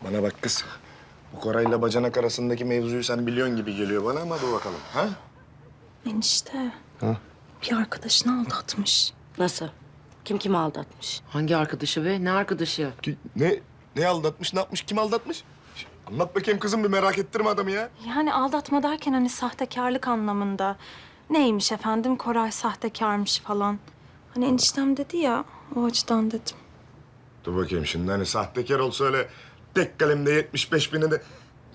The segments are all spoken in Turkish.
Bana bak kız. Bu Koray'la bacanak arasındaki mevzuyu sen biliyorsun gibi geliyor bana ama dur bakalım. Ha? Enişte. Ha? Bir arkadaşını aldatmış. Nasıl? Kim kimi aldatmış? Hangi arkadaşı be? Ne arkadaşı? Ne aldatmış, ne yapmış, kim aldatmış? Anlat bakayım kızım, bir merak ettirme adamı ya. Yani aldatma derken hani sahtekarlık anlamında. Neymiş efendim, Koray sahtekarmış falan. Hani eniştem dedi ya, o açıdan dedim. Dur bakayım şimdi, hani sahtekar olsa öyle tek kalemde 75 bini de...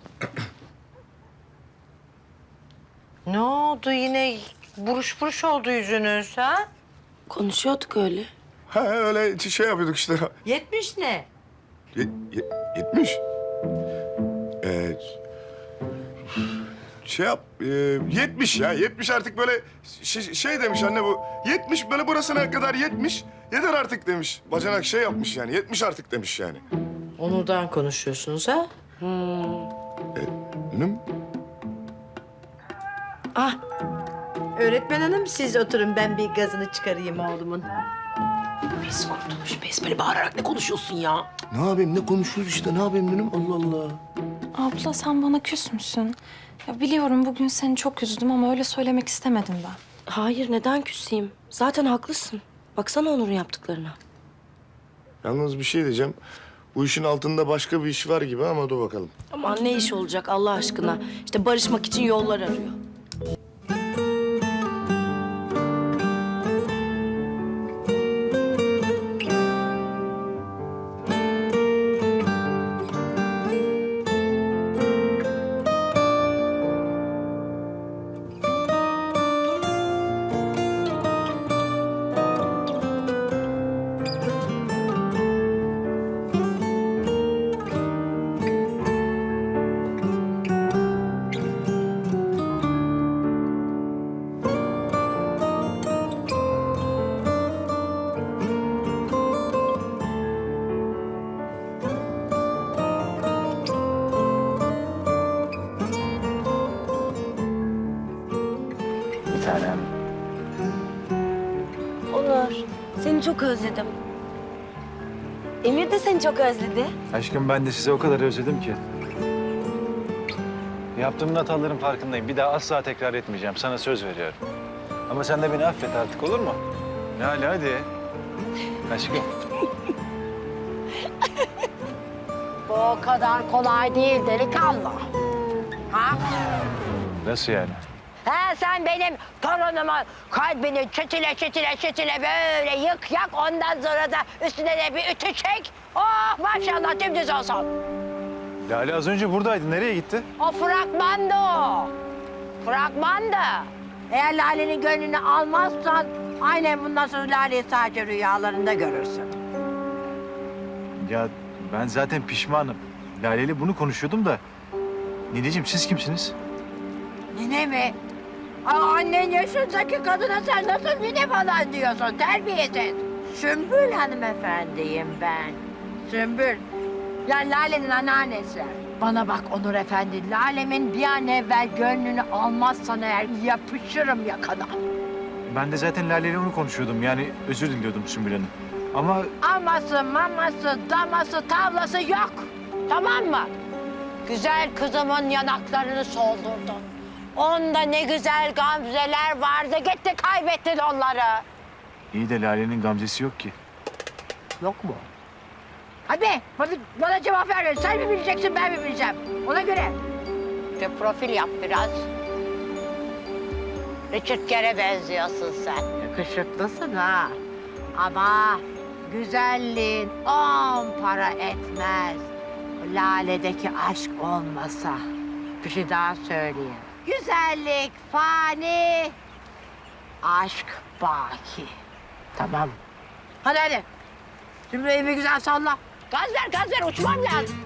Ne oldu yine? Buruş buruş oldu yüzünüz ha? Konuşuyorduk öyle. Ha öyle şey yapıyorduk işte. 70 ne? 70. Ee, şey yap, 70 ya. 70 artık böyle şey demiş anne bu. 70 böyle burasına kadar 70. Yeter artık demiş. Bacanak şey yapmış yani. 70 artık demiş yani. Onur'dan konuşuyorsunuz ha? Benim Ah, Öğretmen hanım siz oturun ben bir gazını çıkarayım oğlumun. Pes kurtulmuş pes. Böyle bağırarak ne konuşuyorsun ya? ne yapayım, ne konuşuyoruz işte, ne yapayım dedim. Allah Allah. Abla sen bana küs müsün? Ya biliyorum bugün seni çok üzdüm ama öyle söylemek istemedim ben. hayır neden küseyim? Zaten haklısın. Baksana Onur'un yaptıklarına. Yalnız bir şey diyeceğim. Bu işin altında başka bir iş var gibi ama dur bakalım. Aman ne iş olacak Allah aşkına? İşte barışmak için yollar arıyor. Onur, seni çok özledim. Emir de seni çok özledi. Aşkım ben de sizi o kadar özledim ki. Yaptığım hataların farkındayım. Bir daha asla tekrar etmeyeceğim. Sana söz veriyorum. Ama sen de beni affet artık, olur mu? Lale hadi. Aşkım. Bu o kadar kolay değil delikanlı. Ha? Nasıl yani? He sen benim torunumun kalbini çetile böyle yık yak ondan sonra da üstüne de bir ütü çek. Oh maşallah dümdüz olsun. Lale az önce buradaydı. Nereye gitti? O fragmandı o. Fragmandı. Eğer Lale'nin gönlünü almazsan aynen bundan sonra Lale'yi sadece rüyalarında görürsün. Ya ben zaten pişmanım. Lale ile bunu konuşuyordum da. Nineciğim siz kimsiniz? Nine mi? Aa, annen yaşındaki kadına sen nasıl nine falan diyorsun? Terbiyesiz. Sümbül hanımefendiyim ben. Sümbül. Yani Lale'nin anneannesi. Bana bak Onur Efendi, Lale'min bir an evvel gönlünü almazsan eğer yapışırım yakana. Ben de zaten Lale ile onu konuşuyordum. Yani özür diliyordum Sümbül Hanım. Ama Aması, maması, daması, tavlası yok. Tamam mı? Güzel kızımın yanaklarını soldurdun. Onda ne güzel gamzeler vardı. Gitti kaybettin onları. iyi de Lale'nin gamzesi yok ki. Yok mu? Hadi bana cevap ver. Sen mi bileceksin ben mi bileceğim? Ona göre. İşte profil yap biraz. Richard Gere'e benziyorsun sen. Yakışıklısın ha. Ama güzelliğin 10 para etmez. Lale'deki aşk olmasa. Bir şey daha söyleyeyim. Güzellik fani, aşk baki. Tamam. Hadi. Şimdi evi güzel salla. Gaz ver, uçmam lazım.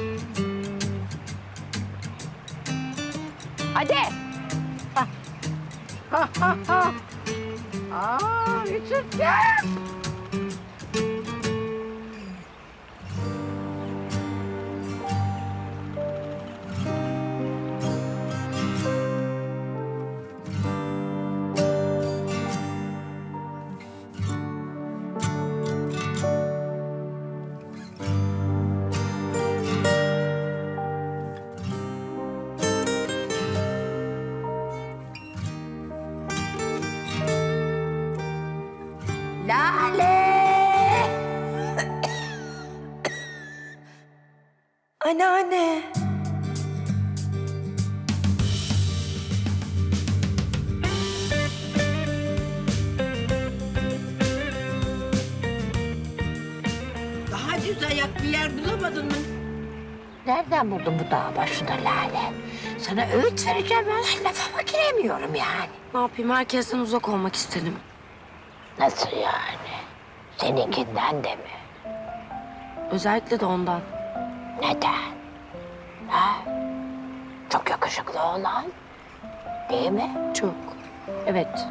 Hadi. Aa, Richard gel. Anneanne. Daha düz ayak bir yer bulamadın mı? Nereden buldun bu dağ başında Lale? Sana öğüt vereceğim, ben lafıma giremiyorum yani. Ne yapayım, herkesten uzak olmak istedim. Nasıl yani? Seninkinden de mi? Özellikle de ondan. Neden? Ha? Çok yakışıklı olan, değil mi? Çok. Evet.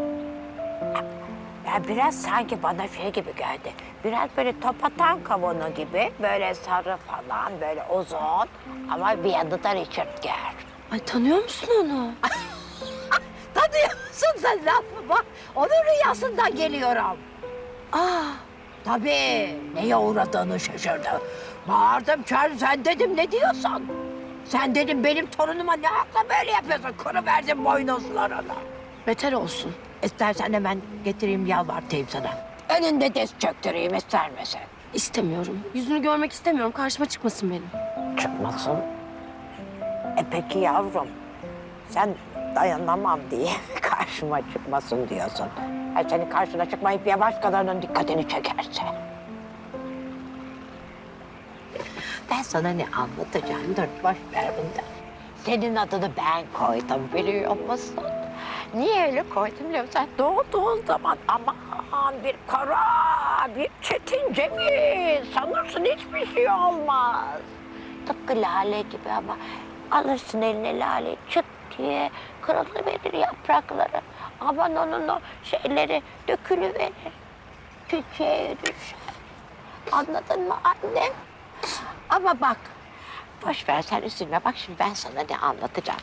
Ya biraz sanki bana şey gibi geldi. Biraz böyle topatan kavunu gibi, böyle sarı falan, böyle uzun ama bir yanı da Richard Gere. Ay, tanıyor musun onu? Tanıyor musun sen lafımı? Onun rüyasından geliyorum. Tabii, neye uğradığını şaşırdı. Bağırdım, çağırdım, sen dedim ne diyorsun? Sen dedim benim torunuma ne akla böyle yapıyorsun? Kırıverdim boynuzlarını. Beter olsun. İstersen hemen getireyim yalvartayım sana. Önünde diz çöktüreyim ister misin? İstemiyorum. Yüzünü görmek istemiyorum. Karşıma çıkmasın benim. Çıkmasın. Peki yavrum, sen dayanamam diye karşıma çıkmasın diyorsun. Senin karşına çıkmayıp ya başkalarının dikkatini çekerse. Ben sana ne anlatacağım? Dur, boş ver bundan. Senin adını ben koydum biliyor musun? Niye öyle koydum biliyor musun? Sen doğduğun zaman aman bir kara, bir çetin ceviz. Sanırsın hiçbir şey olmaz. Tıpkı lale gibi ama alırsın eline lale çıt diye kırılıverir yaprakları. Aman onun o şeyleri dökülüverir. Çiçeğe düşer. Anladın mı annem? Ama bak, boş ver sen üzülme. Bak şimdi ben sana ne anlatacağım.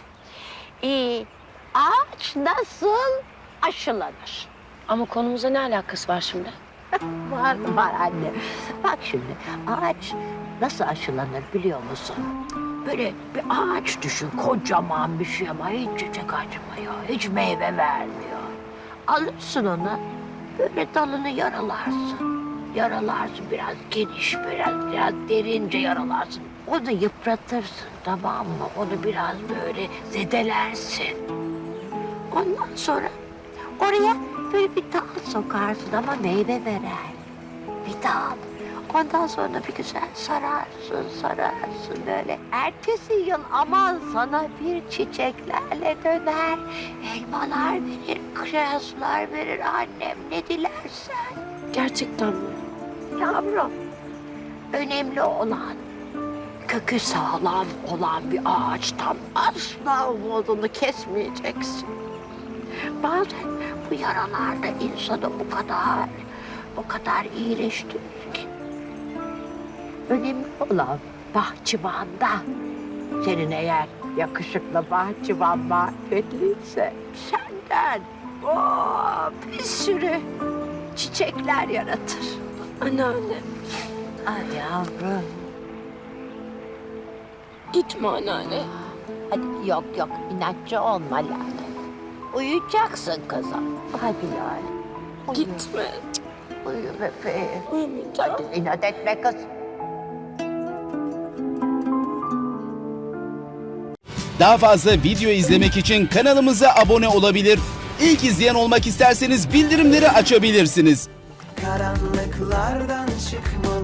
Ağaç nasıl aşılanır? Ama konumuza ne alakası var şimdi? Var anne. Bak şimdi ağaç nasıl aşılanır biliyor musun? Böyle bir ağaç düşün, kocaman bir şey ama hiç çiçek açmıyor, hiç meyve vermiyor. Alırsın onu, böyle dalını yaralarsın. Yaralarsın biraz geniş, biraz derince yaralarsın. Onu yıpratırsın, tamam mı? Onu biraz böyle zedelersin. Ondan sonra oraya böyle bir dal sokarsın ama meyve veren bir dal. Ondan sonra bir güzel sararsın böyle. Ertesi yıl aman sana bir çiçeklerle döner. Elmalar verir, kirazlar verir annem ne dilersen. Gerçekten mi? Yavrum, önemli olan kökü sağlam olan bir ağaçtan asla umudunu kesmeyeceksin. Bazen bu yaralar da insanı o kadar iyileştirir ki. Önemli olan bahçıvanda. Senin eğer yakışıklı bahçıvan marifetliyse senden bir sürü çiçekler yaratır. Anneanne. Ay yavrum. Gitme anneanne. Hadi yok inatçı olma Lale. Uyuyacaksın kızım. Hadi Lale. Uyu. Gitme. Uyu bebeğim. Uyumayacağım. Hadi inat etme kız. Daha fazla video izlemek için kanalımıza abone olabilir. İlk izleyen olmak isterseniz bildirimleri açabilirsiniz. Karanlıklardan çıkmalı